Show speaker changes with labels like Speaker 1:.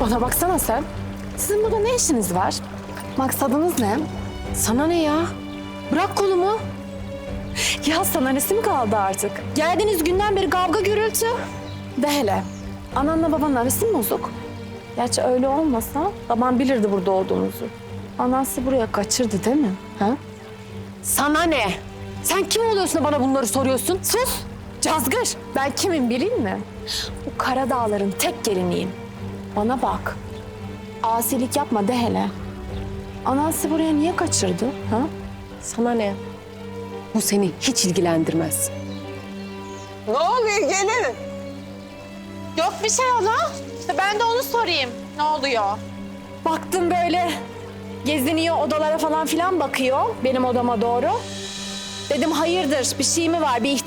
Speaker 1: Bana baksana sen. Sizin burada ne işiniz var? Maksadınız ne? Sana ne ya? Bırak kolumu. Ya sana nesi mi kaldı artık? Geldiğiniz günden beri kavga gürültü. De hele. Ananla babanın arası mı bozuk? Gerçi öyle olmasa baban bilirdi burada olduğunuzu. Anan sizi buraya kaçırdı değil mi? Ha? Sana ne? Sen kim oluyorsun da bana bunları soruyorsun? Sus! Cazgır! Ben kimim bileyim mi? Bu Karadağların tek geliniyim. Bana bak. Asilik yapma de hele. Anan sizi buraya niye kaçırdı? Ha?
Speaker 2: Sana ne? Bu seni hiç ilgilendirmez.
Speaker 3: Ne oluyor gelin?
Speaker 4: Yok bir şey hala. Ben de onu sorayım. Ne oluyor?
Speaker 1: Baktım böyle geziniyor, odalara falan filan bakıyor benim odama doğru. Dedim hayırdır, bir şey mi var, bir